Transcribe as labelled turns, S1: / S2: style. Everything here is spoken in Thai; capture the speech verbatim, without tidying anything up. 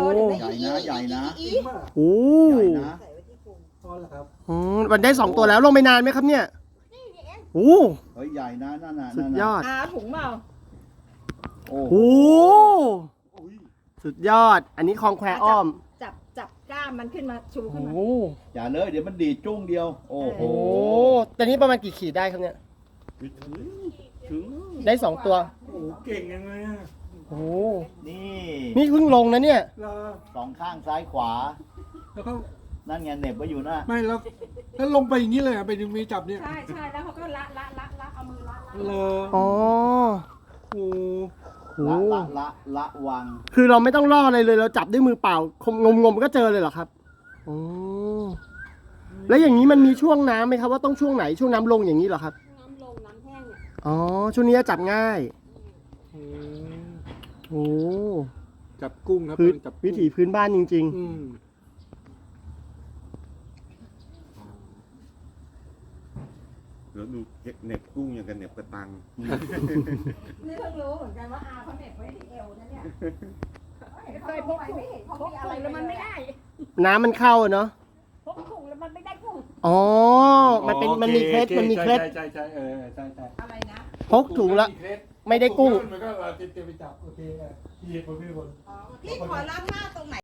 S1: ใหญ่นะใหญ่นะ
S2: จริงป่ะ
S3: โอ้
S1: ใหญ่นะ
S2: พอแล้วครับ
S3: อืมมันได้สองตัวแล้วลงไปนานไหมครับเนี่ยโอ้
S1: เฮ้ยใหญ่นะนั่นน่ะ
S3: สุ
S1: นั่
S3: ด
S1: น
S3: ย
S1: น่ะ
S3: อด
S4: อาถุงเปล่า
S1: โอ้
S3: โอ้สุดยอด อันนี้คลองแควอ้อม
S4: จับจับก้ามมันขึ้นมาชูขึ้นมา
S3: โอ้
S1: อย่าเลยเดี๋ยวมันดีดจุ้งเดียว โอ้โห
S3: โหตอนนี้ประมาณกี่ขีดได้ครับเนี่ย
S2: ถึง
S3: ได้สองตัว
S2: โอ้เก่งยังไงอ่ะ
S3: โอ้
S1: นี่
S3: นี่เพิ่งลงนะเนี่ย
S2: แล้ว
S1: สองข้างซ้ายขวา
S2: แล้วก็
S1: นั่นไงเหน็บไว้อยู่นะ
S2: ไม่แล้วแล้วลงไปอย่างนี้เลยอ่ะไปดึงมีจับเนี่ย
S4: ใช่ใช่แล้วเขาก็ละละละละเอามือละละ
S2: เลอ
S3: อ๋อ
S2: โอ้
S3: โอ้
S1: ละละละละวัง
S3: คือเราไม่ต้องล่ออะไรเลย เราจับด้วยมือเปล่างมงมๆก็เจอเลยเหรอครับโอ้แล้วอย่างนี้มันมีช่วงน้ำไหมครับว่าต้องช่วงไหนช่วงน้ำลงอย่างนี้เหรอครับ
S4: น้ำลงน้ำแห้งเนี่ย
S3: อ๋อ ช่วงนี้จะจับง่าย
S2: โห
S3: โอ้
S2: จับกุ้งครับ
S3: พื้น
S2: จับกุ้ง
S3: วิถีพื้นบ้านจริง
S2: อืม
S5: เดี๋ยวดูเหน็บกุ้งอย่างกับเหน็บกระตัง
S4: นี่เพิ่งรู้เหมือนกันว่าอาเขาเหน็บไว้ที่เอวนะเนี่ยเคยพกถุงพกถุงแล้วมันไม่ได้
S3: ๆ น้ำมันเข้าอะเนาะ
S4: พกถุงแล้วมันไม่ได้กุ้ง
S3: อ๋อ มันเป็นมันมีเคล็ดมันมีเคล็ด
S2: ใช่ใช่ใช่เออใช่ใช่
S4: อะไรนะ
S3: พกถุงละไม่ได้กุ้ง
S2: มันก็เราเตรียมไปจับโอเคอ่ะพี่เหตุผลพี่เหตุผล
S4: พี่ขอล้างหน้าตรงไหน